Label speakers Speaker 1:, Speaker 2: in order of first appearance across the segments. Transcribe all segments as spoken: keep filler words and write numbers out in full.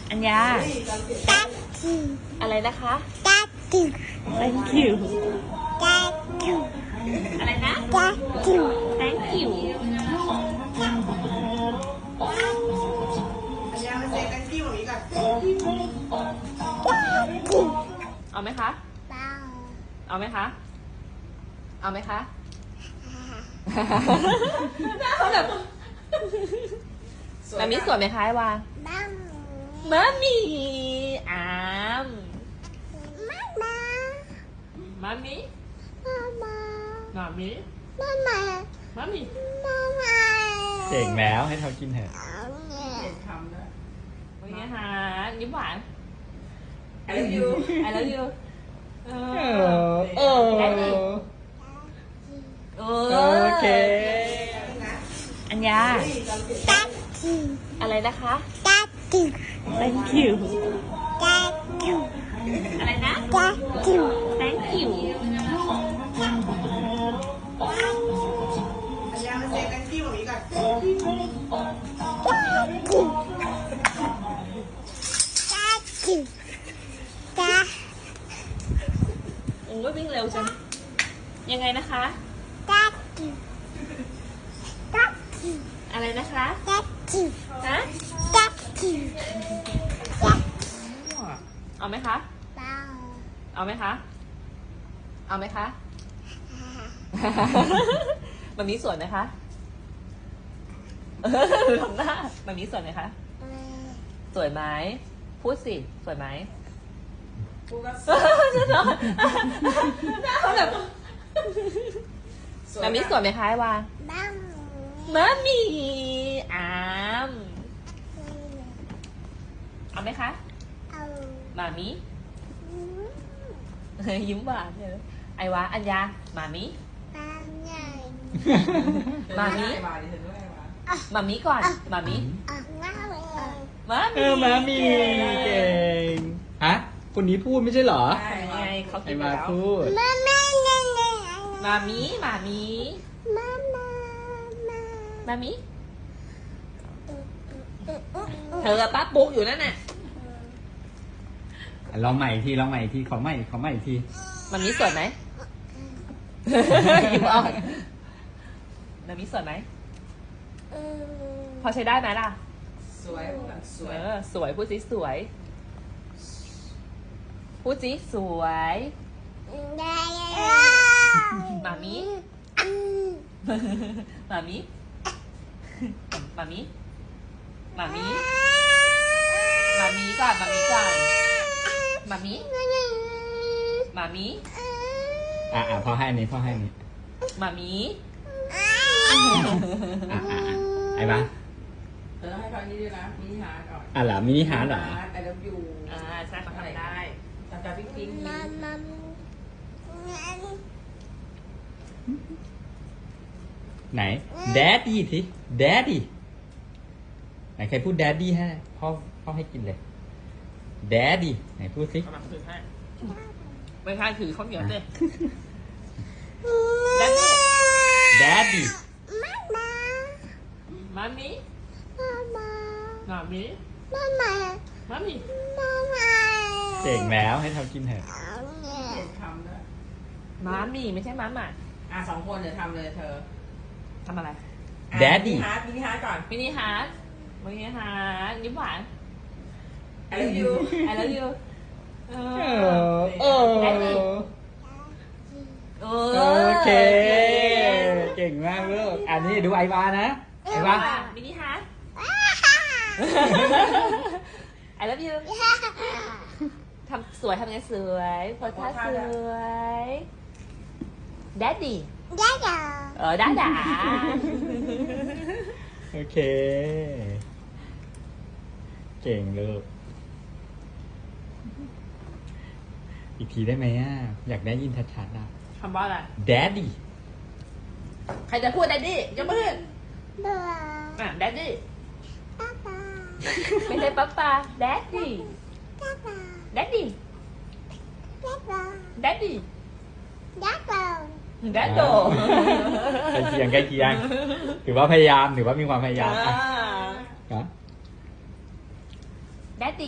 Speaker 1: อัญญาอะไรนะคะ thank you อะไรนะ thank you
Speaker 2: อัญญามาเซ็น thank you อย่างนี้ก่อน
Speaker 1: เอาไหมคะเอาไหมคะเอาไหมคะหน้าเขาแบบมามิสวยไหมคะไอวามามีอามมามิมามิมามิ
Speaker 3: เก่งแล้วให้เขากินเถอะ
Speaker 2: เห็นคำแล้ว
Speaker 1: วันนี้ฮะยิ้มหวาน
Speaker 2: I love you
Speaker 1: I love you เอ
Speaker 3: เอ
Speaker 1: อ
Speaker 3: อเออ
Speaker 1: เอ
Speaker 3: โอเค
Speaker 1: อัญญาอะไรนะคะ thank you อะไรนะ thank you
Speaker 2: อัญญามาเซ็น thank you อย่างนี้ก่อน
Speaker 1: โอ้ยวิ่งเร็วจังยังไงนะคะ อะไรนะคะฮะเอาไหมคะเอาไหมคะเอาไหมคะแบบนี้สวยไหมคะทำหน้าแบบนี้สวยไหมคะสวยไหมพูดสิสวยไหม
Speaker 2: กูก็
Speaker 1: หน้าเขาแบบแบบนี้สวยไหมคะไอวามามีอามเอาไหมคะมามียิ้มหวานเลยไอวาอัญญามามีมามี
Speaker 2: มาดิเห็นด้วยมา
Speaker 1: มามีก่อนมามีมา
Speaker 3: เอ
Speaker 1: มี
Speaker 3: อมามีเก่งฮะคนนี้พูดไม่ใช่เหรอ
Speaker 2: ใช่
Speaker 1: ยังไงเขา
Speaker 3: ไอ
Speaker 1: กินไป
Speaker 3: มา
Speaker 1: แล้ว
Speaker 3: พูด
Speaker 1: มามีมามีมามีเธอกับป้าปุ๊กอยู่นั่นน่ะ
Speaker 3: ลองใหม่อีกทีลองใหม่อีกทีขอใหม่ขอใหม่อีกที
Speaker 1: มามีสวยไหมยิ้มอ่อนมามีสวยไหมพอใช้ได้ไหมล่ะ
Speaker 2: สวยแบบสว
Speaker 1: เอย อสวยพูดสิสวยพูดสิสวยมามีมามีมามีมามีมามีก่อนมามีก่อนมามีมามี
Speaker 3: อ่ะอ่ะพ่อให้อันนี้พ่อให้อันนี้
Speaker 1: มามี
Speaker 3: อ่ะอ่ะอ่ะไอ้บ้า
Speaker 2: เธอต้องให้เขาอันนี้ด้วยนะมินิฮาร์ดก่อน
Speaker 3: อ่ะเหรอมินิฮาร์ดเหรอ
Speaker 2: I love you
Speaker 1: อ่าใช่เขาทำได้
Speaker 2: ตาตาปิ๊งปิ๊งยิ้ม
Speaker 3: ไหน daddy ที daddy ไหนใครพูด daddy ให้พ่อพ่อให้กินเลย daddy ไหนพูดสิ
Speaker 1: เอามาถือให้ไม่ใช่ถือข้าวเหนียวเต้แล้วนี่
Speaker 3: daddy
Speaker 1: มามีมามีมามี
Speaker 3: เก่งแล้วให้ทำกินเถอะ
Speaker 2: เห็นคำแล้ว
Speaker 1: มามีไม่ใช่มาหมา
Speaker 2: อ่ะสองคนเดี๋ยวทำเลยเธอ
Speaker 1: ทำอะไร
Speaker 2: อ่ะ
Speaker 3: Daddy
Speaker 2: มินิฮาร์ดมินิฮาร์ดก่อน
Speaker 1: มินิฮาร์ดมินิฮาร์ดยิ้มหวาน
Speaker 2: I love you
Speaker 1: I love you เอ
Speaker 3: เอ
Speaker 1: อ
Speaker 3: อเออ
Speaker 1: Daddy เอ
Speaker 3: โอเค เก่งมากลูกอันนี้ดูไอวานะไอวา
Speaker 1: มินิฮาร์ด I love you ทำสวยทำไงสวยโพสท่าสวย Daddy เออด้าด่า
Speaker 3: โอเค เก่งลูกอีกทีได้ไหมอ่ะ อยากได้ยินชัดๆอ่ะ
Speaker 1: คำว่าอะไร
Speaker 3: daddy
Speaker 1: ใครจะพูด Daddy ยกมือขึ้นอ่ะ Daddy ไม่ใช่ป๊าป๊า Daddy Daddy Daddy แดดโด
Speaker 3: ใกล้เคียงใกล้เคียงถือว่าพยายามถือว่ามีความพยายาม
Speaker 1: อ่า
Speaker 3: อ่ะฮะ
Speaker 1: daddy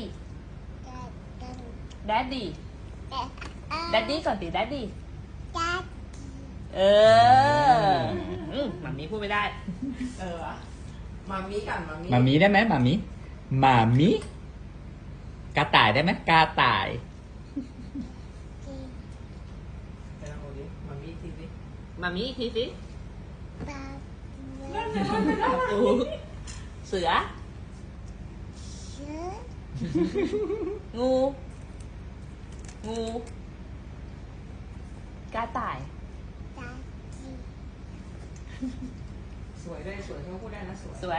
Speaker 1: daddy daddy ก่อนสิ daddy เอออืมมัมมี่พูดไม่ได้
Speaker 2: เออวะมามีก่อนมามี
Speaker 3: มามีได้ไหมมามีมามีกระต่ายได้ไหมกระต่าย
Speaker 2: ไปลองดูดิมามีทีดิ
Speaker 1: มัมมี่อีกทีสิ
Speaker 2: นั่นน่ะนั่นน่ะนั่นน่ะ
Speaker 1: โอ้เสือ งู งู กระต่าย
Speaker 2: สวยด้วยสวยที่เขาพูดได้นะสวย
Speaker 1: สวย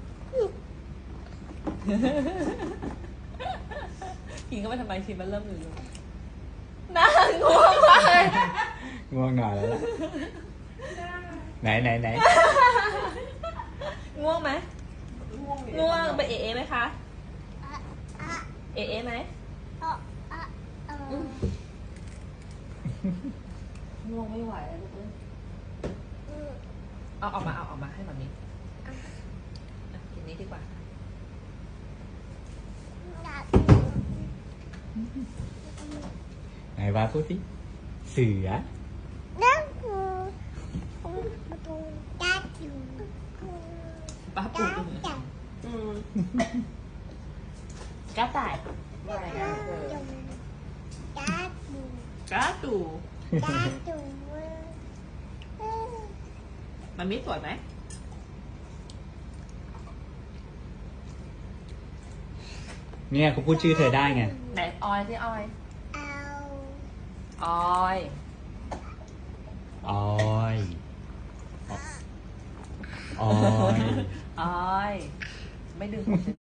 Speaker 1: กินก็ไม่ทำไมทีมันเริ่มอยู่อยู่น่าง่วงมากเลย
Speaker 3: ง่วงนอนแล้วล่ะไหนไหนไหน
Speaker 1: ง่วงไหม
Speaker 2: ง่วงดิ
Speaker 1: ง่วงไปเอเอไหมคะ เอเอไหมง่วงไม่ไหวแล้วลูกเอ้ยเอาออกมาเอาออกมาให้แบบนี้อ่ะกินนี้ดีกว่า
Speaker 3: ไหนวาพูดสิเสือ
Speaker 1: ป้าปูอืมกระต่าย
Speaker 2: ว่าไงนะเออก
Speaker 1: ระตูมันมีสวยไหม
Speaker 3: เนี่ยเขาพูดชื่อเธอได้ไง
Speaker 1: ไหนออยสิออยออย
Speaker 3: ออยออย
Speaker 1: ออย ไม่ดึงผม